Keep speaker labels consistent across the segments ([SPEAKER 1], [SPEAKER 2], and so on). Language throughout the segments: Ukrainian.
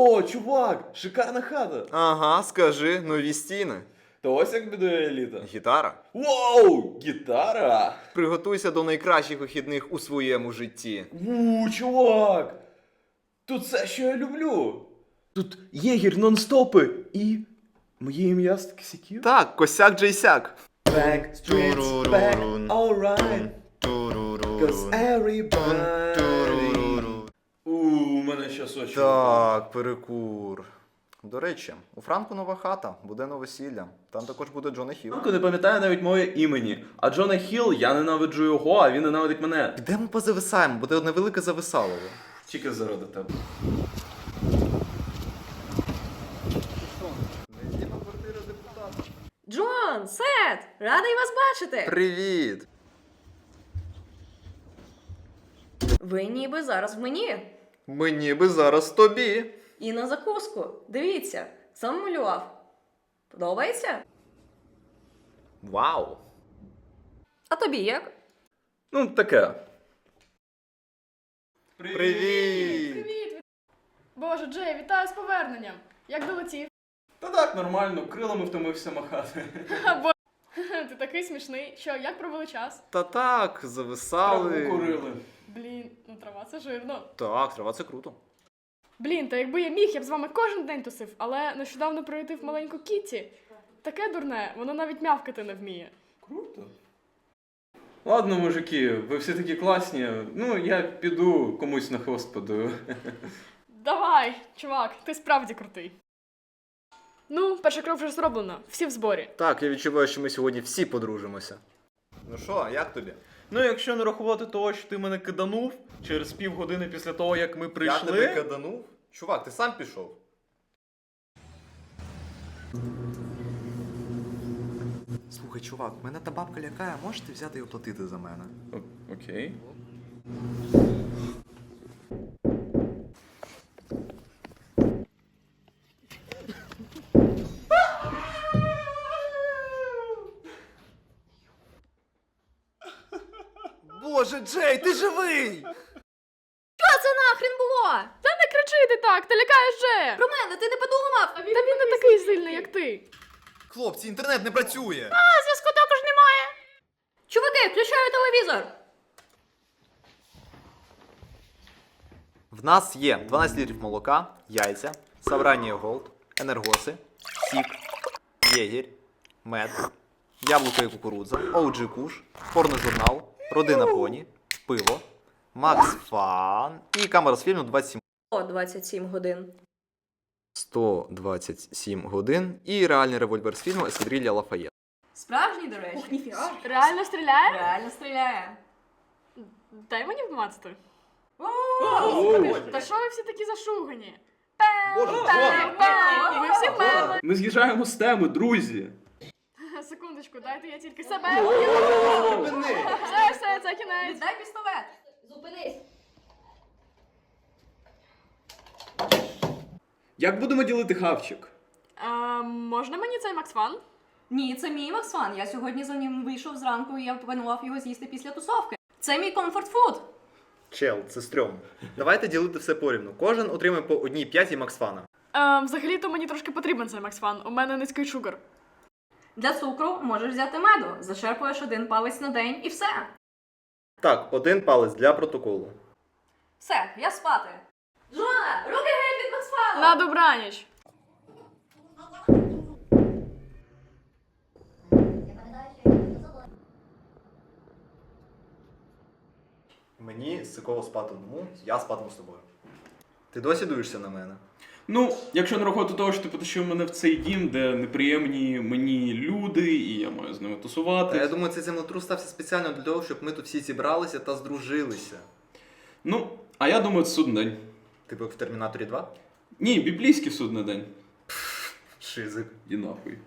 [SPEAKER 1] О, чувак, шикарна хата.
[SPEAKER 2] Ага, скажи, нові стіни.
[SPEAKER 1] То ось як будує еліта.
[SPEAKER 2] Гітара.
[SPEAKER 1] Воу, гітара.
[SPEAKER 2] Приготуйся до найкращих вихідних у своєму житті.
[SPEAKER 1] Чувак. Тут все, що я люблю. Тут єгір нон-стопи і моє ім'я з косяків.
[SPEAKER 2] Так, косяк Джейсяк.
[SPEAKER 1] Back streets back, alright. Cause everybody. У мене щас очі.
[SPEAKER 2] Так, перекур. До речі, у Франку нова хата, буде новосілля. Там також буде Джона Хілл.
[SPEAKER 1] Франко не пам'ятає навіть моє імені. А Джона Хілл, я ненавиджу його, а він ненавидить мене.
[SPEAKER 2] Підемо позависаємо, буде одне велике зависалово.
[SPEAKER 1] Тільки заради тебе.
[SPEAKER 3] Джон, Сет, радий вас бачити.
[SPEAKER 2] Привіт!
[SPEAKER 3] Ви ніби зараз в мені.
[SPEAKER 2] Мені би зараз тобі.
[SPEAKER 3] І на закуску. Дивіться, сам малював. Подобається?
[SPEAKER 2] Вау!
[SPEAKER 3] А тобі як?
[SPEAKER 1] Ну, таке.
[SPEAKER 2] Привіт!
[SPEAKER 4] Привіт! Боже, Джей, вітаю з поверненням! Як долетів?
[SPEAKER 1] Та так, нормально, крилами втомився махати.
[SPEAKER 4] Ти такий смішний. Що, як провели час?
[SPEAKER 2] Та так, зависали.
[SPEAKER 1] Траву курили.
[SPEAKER 4] Блін, ну трава це жирно.
[SPEAKER 2] Так, трава це круто.
[SPEAKER 4] Блін, та якби я міг, я б з вами кожен день тусив, але нещодавно прилетів маленьку Кітті. Таке дурне, воно навіть мявкати не вміє.
[SPEAKER 1] Круто. Ладно, мужики, ви всі такі класні. Ну, я піду комусь на хвост подую.
[SPEAKER 4] Давай, чувак, ти справді крутий. Ну, перший крок вже зроблено, всі в зборі.
[SPEAKER 2] Так, я відчуваю, що ми сьогодні всі подружимося. Ну що, як тобі?
[SPEAKER 1] Ну, якщо не рахувати того, що ти мене киданув через півгодини після того, як ми прийшли.
[SPEAKER 2] Я тебе каданув? Чувак, ти сам пішов. Слухай, чувак, мене та бабка лякає, можете взяти і оплатити за мене?
[SPEAKER 1] Окей.
[SPEAKER 2] Боже, Джей, ти живий!
[SPEAKER 3] Що це нахрен було?
[SPEAKER 4] Та не кричи ти так, ти лякаєш Джея!
[SPEAKER 3] Про мене ти не подумав?
[SPEAKER 4] Та він не такий сильний, як ти.
[SPEAKER 2] Хлопці, інтернет не працює!
[SPEAKER 4] А зв'язку також немає.
[SPEAKER 3] Чуваки, включаю телевізор.
[SPEAKER 2] В нас є 12 літрів молока, яйця, Савранія Голд, енергоси, сік, єгір, мед, яблуко і кукурудза, OG Куш, порножурнал, родина поні, пиво, Макс Фан і камера з фільму 27.
[SPEAKER 3] О, 27 годин.
[SPEAKER 2] 127 годин і реальний револьвер з фільму Ескадрилья Лафаєт.
[SPEAKER 3] Справжній, до речі. ніфіга.
[SPEAKER 4] Реально стріляє?
[SPEAKER 3] Реально стріляє.
[SPEAKER 4] Дай мені вмацати.
[SPEAKER 1] О,
[SPEAKER 4] Та що ви всі такі зашугані?
[SPEAKER 2] Боже,
[SPEAKER 4] Ви всі вмерли.
[SPEAKER 1] Ми з'їжджаємо з теми, друзі.
[SPEAKER 4] Секундочку, дайте я тільки себе. Все, це кінець.
[SPEAKER 3] Дай пістолет. Зупинись.
[SPEAKER 1] Як будемо ділити хавчик?
[SPEAKER 4] Можна мені цей Максфан?
[SPEAKER 3] Ні, це мій Максфан. Я сьогодні за ним вийшов зранку і я планував його з'їсти після тусовки. Це мій комфорт-фуд.
[SPEAKER 2] Чел, це стрьом. Давайте ділити все порівну. Кожен отримає по одній п'ятій Максфана.
[SPEAKER 4] Взагалі-то мені трошки потрібен цей Максфан. У мене низький шугар.
[SPEAKER 3] Для цукру можеш взяти меду. Зачерпуєш 1 палець на день і все.
[SPEAKER 2] Так, 1 палець для протоколу.
[SPEAKER 3] Все, я спати. Жона, руки геть від Максфана!
[SPEAKER 4] На добраніч.
[SPEAKER 2] Мені сиково спати одному, я спатиму з тобою. Ти досі дуєшся на мене?
[SPEAKER 1] Ну, якщо не рахувати того, що ти потащив мене в цей дім, де неприємні мені люди, і я маю з ними тусувати.
[SPEAKER 2] Я думаю, цей землетрус стався спеціально для того, щоб ми тут всі зібралися та здружилися.
[SPEAKER 1] Ну, а я думаю, це судний день.
[SPEAKER 2] Типу в Термінаторі 2?
[SPEAKER 1] Ні, біблійський судний день.
[SPEAKER 2] Шизик.
[SPEAKER 1] І нахуй.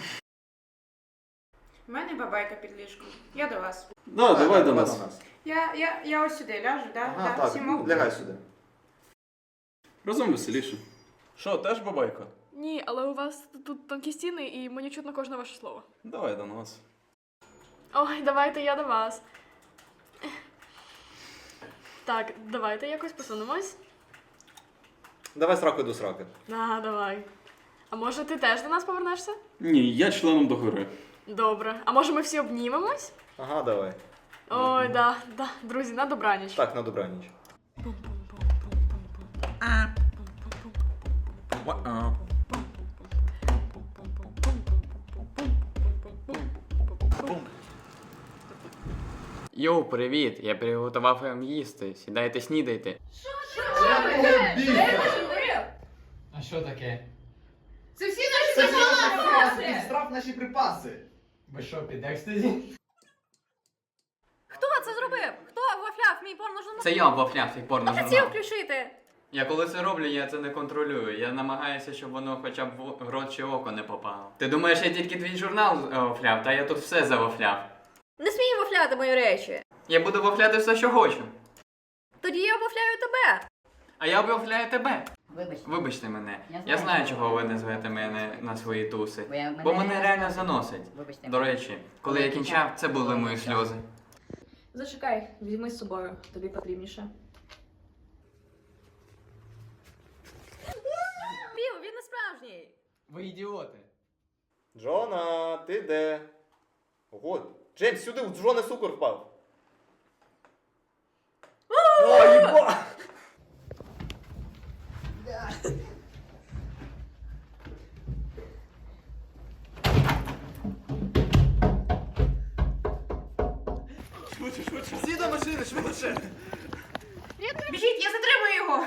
[SPEAKER 5] У мене бабайка під ліжком. Я до вас.
[SPEAKER 1] Да, давай до нас.
[SPEAKER 5] Я ось сюди ляжу, да?
[SPEAKER 2] Ага,
[SPEAKER 5] да? Всі
[SPEAKER 2] так,
[SPEAKER 5] можуть?
[SPEAKER 2] лягай сюди.
[SPEAKER 1] Разом веселіше. Що, теж бабайка?
[SPEAKER 4] Ні, але у вас тут тонкі стіни і мені чутно кожне ваше слово.
[SPEAKER 1] Давай до нас.
[SPEAKER 4] Ой, давайте я до вас. Так, давайте якось посунемось.
[SPEAKER 2] Давай сракою до сраки.
[SPEAKER 4] Давай. А може ти теж до нас повернешся?
[SPEAKER 1] Ні, я членом до гори.
[SPEAKER 4] Добре. А може ми всі обнімемось?
[SPEAKER 2] Ага, давай.
[SPEAKER 4] Ой, да. Друзі, на добраніч.
[SPEAKER 2] Так, на добраніч.
[SPEAKER 6] Йоу, привіт! Я приготував вам їсти. Сідайте, снідайте. А що таке?
[SPEAKER 5] Це всі наші запаси!
[SPEAKER 7] Страв наші припаси.
[SPEAKER 6] Ви що, під екстазі?
[SPEAKER 3] Хто це зробив? Хто вафляв мій порножурнал?
[SPEAKER 6] Це я вафляв цей
[SPEAKER 3] Хотів
[SPEAKER 6] порножурнал.
[SPEAKER 3] включити.
[SPEAKER 6] Я коли це роблю, я це не контролюю. Я намагаюся, щоб воно хоча б в рот чи око не попало. Ти думаєш, я тільки твій журнал вафляв, та я тут все завафляв.
[SPEAKER 3] Не смій вафляти мої речі.
[SPEAKER 6] Я буду вафляти все, що хочу.
[SPEAKER 3] Тоді я вафляю тебе.
[SPEAKER 6] А я вафляю тебе.
[SPEAKER 8] Вибачте.
[SPEAKER 6] Вибачте мене.
[SPEAKER 8] Я
[SPEAKER 6] Я
[SPEAKER 8] знаю,
[SPEAKER 6] знаю, чого ви не звете мене на свої туси.
[SPEAKER 8] Бо
[SPEAKER 6] Бо мене реально заносить.
[SPEAKER 8] Вибачте.
[SPEAKER 6] До речі, коли я кінчав, це були мої сльози.
[SPEAKER 3] Зачекай, візьми з собою, тобі потрібніше. Пів, він не справжній.
[SPEAKER 6] Ви ідіоти.
[SPEAKER 2] Джона, ти де? Ого, Джеймс, сюди, у Джона цукор впав. О, їба! Всі до машини, швидше!
[SPEAKER 5] Біжіть, я затримую його!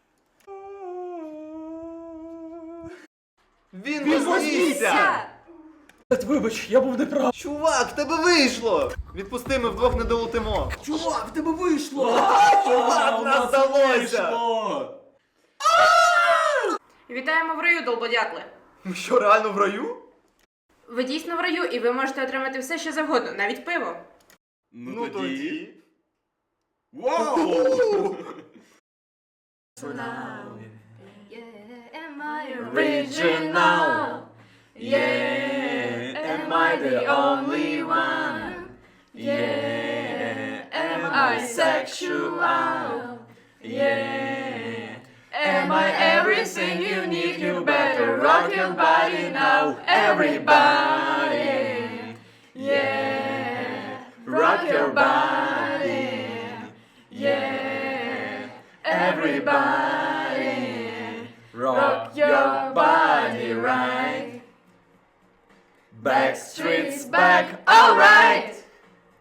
[SPEAKER 2] Він вознісся!
[SPEAKER 1] Вибач, я був неправ.
[SPEAKER 2] Чувак, в тебе вийшло! Відпусти, ми вдвох не долетимо.
[SPEAKER 1] Чувак, в тебе вийшло!
[SPEAKER 2] Чувак, нас вдалося!
[SPEAKER 1] вийшло!
[SPEAKER 5] Вітаємо в раю, долбодятли!
[SPEAKER 2] Ми що, реально в раю?
[SPEAKER 5] Ви дійсно в раю, і ви можете отримати все, що завгодно, навіть пиво.
[SPEAKER 1] Ну тоді. Вау!
[SPEAKER 3] Am I
[SPEAKER 6] Original?
[SPEAKER 3] Yeah, am I the only one? Yeah, am I sexual? Yeah, am I everything you need? You better rock your body now, everybody. Yeah, rock your body.